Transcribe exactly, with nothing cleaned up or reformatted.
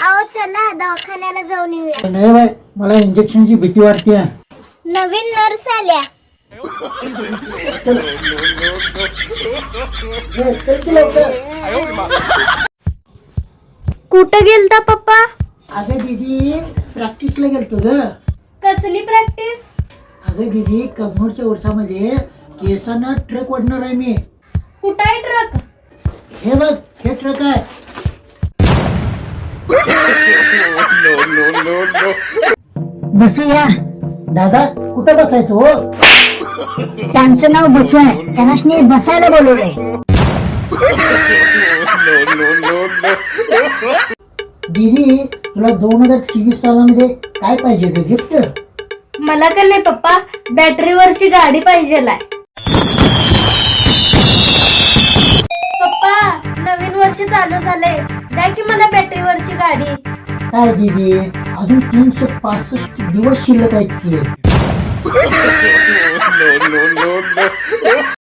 आओ चला दवाखान्याला जाऊन येऊया. नाही बाय, मला इंजेक्शनची भीती वाटते. नवीन नर्स आल्या. चल ए, चल की लवकर. कुठं गेलता पप्पा? अगं दीदी, प्रॅक्टिसला गेलतो ग. कसली प्रॅक्टिस? अगं दीदी, कबनूरच्या उरसामध्ये केसांना ट्रक ओढणार आहे मी. कुठं आहे ट्रक? हे बघ, हे ट्रक आहे. बसूया. दादा, कुठं बसायचं हो? त्यांचं नाव बसू आहे, त्यांना बसायला बोलवलंय. दीदी, तुला दोन हजार चोवीस सालामध्ये काय पाहिजे ग गिफ्ट? मला का नाही पप्पा, बॅटरीवरची गाडी पाहिजे. पप्पा, नवीन वर्ष चालू झालंय, द्या की मला बॅटरीवरची गाडी. काय दीदी, अजून तीनशे पासष्ट दिवस शिल्लक आहेत की.